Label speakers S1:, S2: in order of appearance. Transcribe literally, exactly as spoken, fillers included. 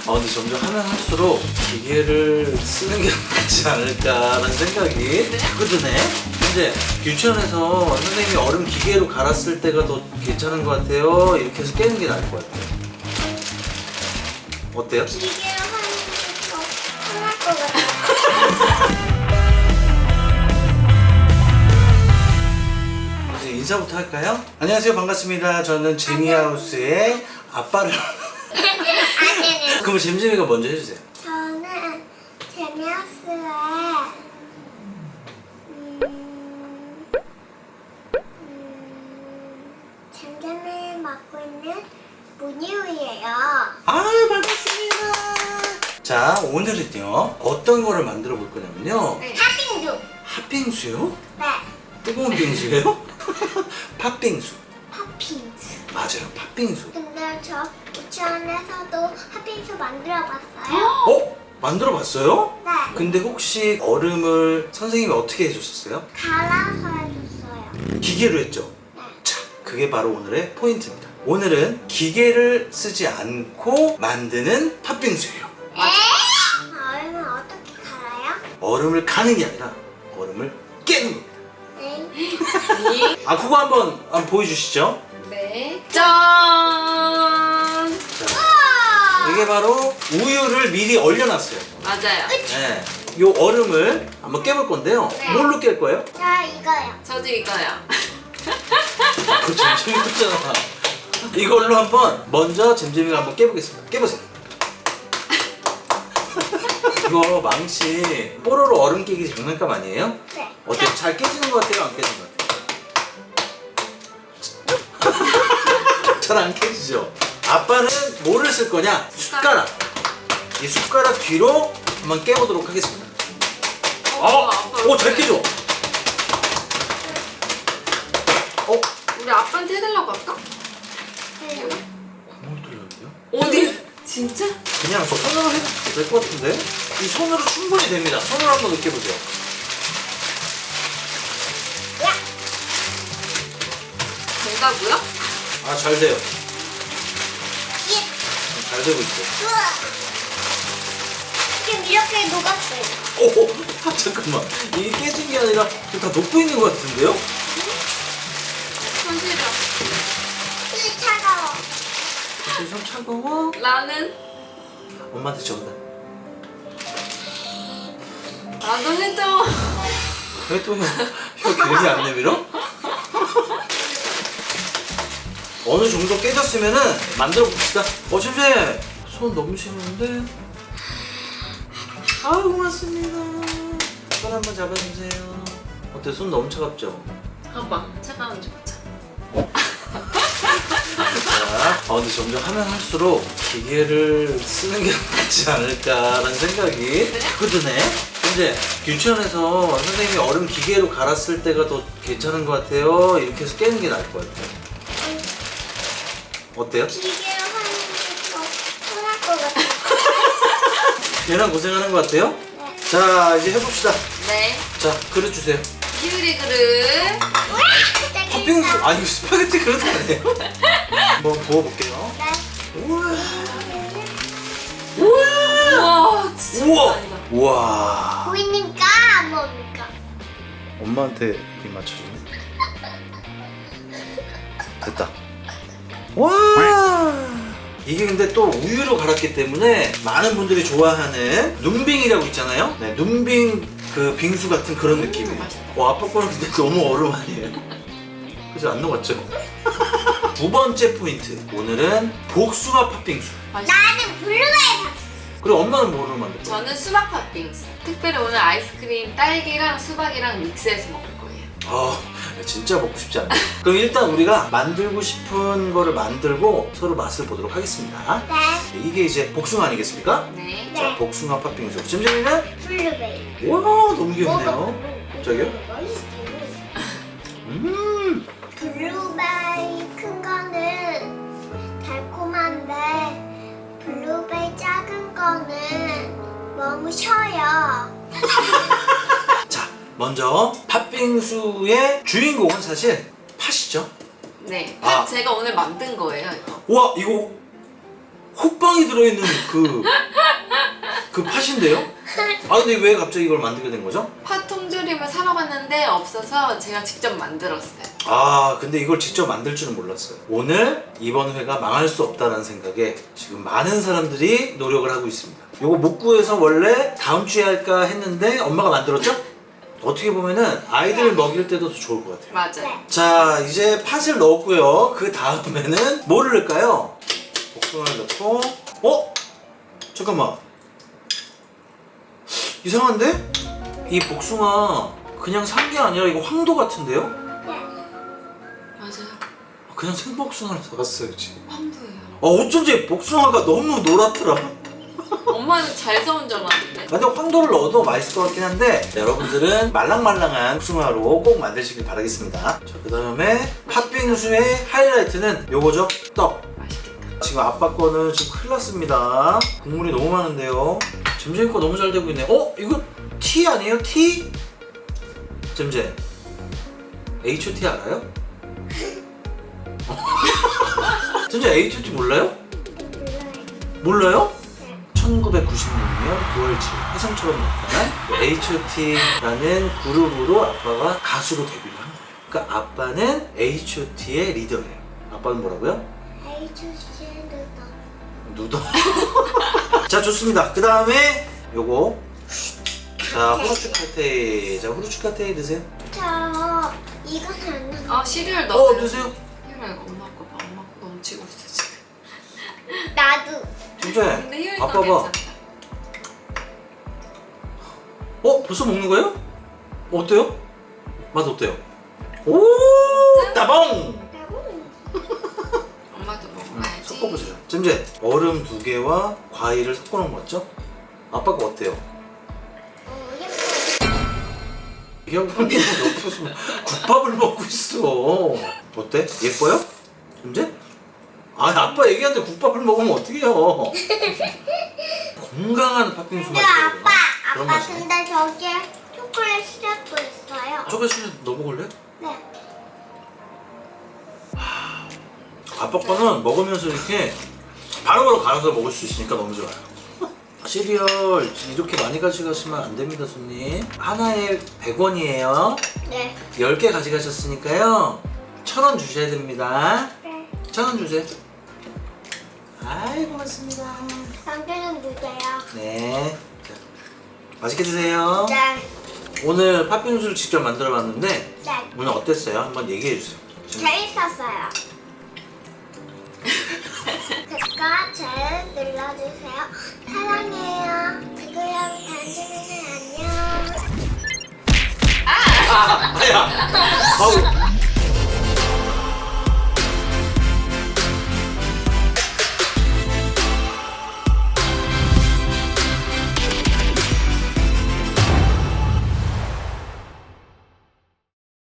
S1: 어, 근데 점점 하면 할수록 기계를 쓰는 게 낫지 않을까라는 생각이 자꾸 드네. 근데 유치원에서 선생님이 얼음 기계로 갈았을 때가 더 괜찮은 것 같아요. 이렇게 해서 깨는 게 나을 것 같아요. 어때요?
S2: 기계로 하는 게 더 편할 것 같아요.
S1: 이제 인사부터 할까요? 안녕하세요, 반갑습니다. 저는 제니하우스의 아빠를
S2: 아니요.
S1: 그럼 잼잼이가 먼저 해주세요.
S2: 저는 제니하우스의 음, 음, 잼잼을 맡고 있는 문유이예요.
S1: 아유, 반갑습니다. 자, 오늘은요 어떤 거를 만들어 볼 거냐면요,
S2: 팥빙수.
S1: 팥빙수요?
S2: 네.
S1: 뜨거운 빙수예요? 팥빙수.
S2: 팥빙수.
S1: 맞아요, 팥빙수.
S2: 근데 저 유치원에서도 팥빙수 만들어봤어요.
S1: 어? 만들어 봤어요?
S2: 네.
S1: 근데 혹시 얼음을 선생님이 어떻게 해줬었어요?
S2: 갈아서 해줬어요.
S1: 기계로 했죠?
S2: 네.
S1: 자, 그게 바로 오늘의 포인트입니다. 오늘은 기계를 쓰지 않고 만드는 팥빙수예요.
S2: 에? 얼음을 어떻게 갈아요?
S1: 얼음을 가는 게 아니라 얼음을 깨는 겁니다.
S2: 네.
S1: 아, 그거 한번, 한번 보여주시죠.
S3: 네. 짠!
S1: 자, 이게 바로 우유를 미리 얼려놨어요.
S3: 맞아요.
S1: 네. 요 얼음을 한번 깨볼 건데요.
S3: 네.
S1: 뭘로 깰 거예요?
S2: 자, 이거요.
S3: 저도 이거요.
S1: 그 잼잼이 떴잖아. 이걸로 한번 먼저 잼잼이가 한번 깨보겠습니다. 깨보세요. 이거 망치 뽀로로 얼음 깨기 장난감 아니에요?
S2: 네.
S1: 어때요? 잘 깨지는 것 같아요? 안 깨지는 것 같아요? 잘 안 깨지죠? 아빠는 뭐를 쓸 거냐? 숟가락. 이 숟가락 뒤로 한번 깨보도록 하겠습니다. 어? 오, 잘 깨져. 어?
S3: 우리 아빠한테 해달라고 할까?
S2: 네.
S1: 구멍이 뚫렸는데요?
S3: 어디? 진짜?
S1: 그냥 손으로 해도 될 것 같은데? 이 손으로 충분히 됩니다. 손으로 한번 느껴보세요.
S2: 야.
S3: 된다고요?
S1: 아, 잘 돼요.
S2: 예.
S1: 잘 되고 있어요.
S2: 우와. 지금 이렇게 녹았어요.
S1: 오, 아, 잠깐만. 이게 깨진 게 아니라 지금 다 녹고 있는 것 같은데요?
S3: 손실이야.
S2: 이 차가워.
S1: 손 차가워?
S3: 나는
S1: 엄마한테 전달.
S3: 나도 해줘.
S1: 왜 또 혀, 혀 길게 안 내밀어? 어느 정도 깨졌으면은 만들어 봅시다. 어, 잼잼! 손 너무 시원한데? 아, 고맙습니다. 손 한번 잡아주세요. 어때? 손 너무 차갑죠?
S3: 봐봐. 차가운 줄 보자.
S1: 자, 어, 근데 점점 하면 할수록 기계를 쓰는 게 낫지 않을까라는 생각이 자꾸 드네. 근데 유치원에서 선생님이 얼음 기계로 갈았을 때가 더 괜찮은 것 같아요. 이렇게 해서 깨는 게 나을 것 같아요. 어때요?
S2: 기계로 하는 게 더 편할 것 같아요.
S1: 얘랑 고생하는 것 같아요?
S2: 네.
S1: 자, 이제 해봅시다.
S3: 네.
S1: 자, 그릇 주세요.
S3: 키우리 그릇.
S1: 팥빙수, 아, 이거 스파게티 그릇 아니에요? 한번 부어볼게요.
S2: 네.
S1: 우와.
S3: 우와, 진짜
S1: 우와.
S3: 아니다.
S1: 우와.
S2: 보이니까 안 먹으니까.
S1: 엄마한테 이 맞춰주네. 됐다. 와. 이게 근데 또 우유로 갈았기 때문에 많은 분들이 좋아하는 눈빙이라고 있잖아요. 네, 눈빙 그 빙수 같은 그런 느낌이에요.
S3: 맛있다.
S1: 와, 아빠 거는 근데 너무 얼음 아니에요? 그래서 안 녹았죠? 두 번째 포인트. 오늘은 복숭아 팥빙수.
S3: 맛있어.
S2: 나는 블루베리 밥.
S1: 그리고 엄마는 뭐로 만들 거예요?
S3: 저는 수박 팥빙수. 특별히 오늘 아이스크림 딸기랑 수박이랑 믹스해서 먹을 거예요.
S1: 아, 진짜 먹고 싶지 않네. 그럼 일단 우리가 만들고 싶은 거를 만들고 서로 맛을 보도록 하겠습니다.
S2: 네.
S1: 이게 이제 복숭아 아니겠습니까?
S3: 네.
S1: 자, 복숭아 팥빙수. 잼잼이는?
S2: 블루베리.
S1: 와, 너무 귀엽네요. 갑자기요? 음,
S2: 블루베리 큰 거는 달콤한데 블루베리 작은 거는 너무 셔요.
S1: 자, 먼저 팥빙수의 주인공은 사실 팥이죠.
S3: 네.
S1: 아.
S3: 제가 오늘 만든 거예요, 이거.
S1: 와, 이거 호빵이 들어있는 그, 그 팥인데요? 아 근데 왜 갑자기 이걸 만들게 된 거죠?
S3: 팥 통조림을 사러 갔는데 없어서 제가 직접 만들었어요.
S1: 아 근데 이걸 직접 만들 줄은 몰랐어요. 오늘 이번 회가 망할 수 없다는 생각에 지금 많은 사람들이 노력을 하고 있습니다. 요거 못 구해서 원래 다음 주에 할까 했는데 엄마가 만들었죠? 어떻게 보면은 아이들 먹일 때도 더 좋을 것 같아요.
S3: 맞아요.
S2: 네.
S1: 자 이제 팥을 넣었고요. 그 다음에는 뭐를 넣을까요? 복숭아를 넣고 어? 잠깐만 이상한데? 이 복숭아 그냥 산 게 아니라 이거 황도 같은데요?
S2: 네.
S3: 맞아요.
S1: 그냥 생복숭아를 사갔어요 지금.
S3: 황도예요.
S1: 어 어쩐지 복숭아가 너무 노랗더라.
S3: 엄마는 잘 사온 줄 알았는데.
S1: 근데 황도를 넣어도 맛있을 것 같긴 한데 자, 여러분들은 말랑말랑한 복숭아로 꼭 만드시길 바라겠습니다. 자, 그 다음에 팥빙수의 하이라이트는 요거죠? 떡.
S3: 맛있겠다.
S1: 지금 아빠 거는 지금 큰일 났습니다. 국물이 너무 많은데요. 잼잼이 거 너무 잘 되고 있네. 어? 이거 티 아니에요? 티? 잼잼 에이치 오 티 알아요? 잼잼 에이치 오 티 몰라요?
S2: 몰라요.
S1: 몰라요?
S2: 네.
S1: 천구백구십육 년 구월 칠일 해성처럼 나타난 에이치 오 티라는 그룹으로 아빠가 가수로 데뷔를 한 거예요. 그러니까 아빠는 에이치 오 티의 리더예요. 아빠는 뭐라고요?
S2: 에이치씨 누더.
S1: 누더. 자 좋습니다. 그 다음에 요거 자 후르츠 카테이. 자 후르츠 카테이 드세요.
S2: 저 이건 안 넣어.
S3: 아 시리얼
S1: 어
S3: 넣어요.
S1: 드세요.
S3: 희율아 이거 엄마 거 봐. 엄마 거 넘치고 있어 지금.
S2: 나도.
S1: 진짜.
S3: 근데 희율이
S1: 아빠
S3: 거
S1: 봐.
S3: 괜찮다.
S1: 어 벌써 먹는 거예요? 어때요? 맛 어때요? 오 따봉.
S2: 나도.
S3: 엄마도 먹어야지.
S1: 섞어보세요. 잼잼 얼음 두 개와 과일을 섞어놓은 거 맞죠? 아빠가 어때요?
S2: 어 예뻐.
S1: 이 형님 옆에서 국밥을 먹고 있어. 어때? 예뻐요? 잼잼? 아 아빠 얘기하는데 국밥을 먹으면 어떡해요? 건강한 팥빙수
S2: 근데
S1: 맛이에요.
S2: 아빠,
S1: 그런
S2: 아빠
S1: 맛이에요.
S2: 근데 저기에 초콜릿 시럽도 있어요.
S1: 초콜릿 넣어 먹을래?
S2: 네.
S1: 아빠 거는 먹으면서 이렇게 바로바로 갈아서 먹을 수 있으니까 너무 좋아요. 시리얼 이렇게 많이 가져가시면 안 됩니다, 손님. 하나에 백 원이에요.
S2: 네.
S1: 열 개 가져가셨으니까요. 천 원 주셔야 됩니다.
S2: 네.
S1: 천 원 주세요. 아이, 고맙습니다.
S2: 당근은 주세요.
S1: 네. 자, 맛있게 드세요.
S2: 네.
S1: 오늘 팥빙수를 직접 만들어 봤는데
S2: 네.
S1: 오늘 어땠어요? 한번 얘기해 주세요.
S2: 재밌었어요. 댓글 잘 눌러주세요. 사랑해요. 그럼 단지는 안녕.
S1: 아, 아야. 아우.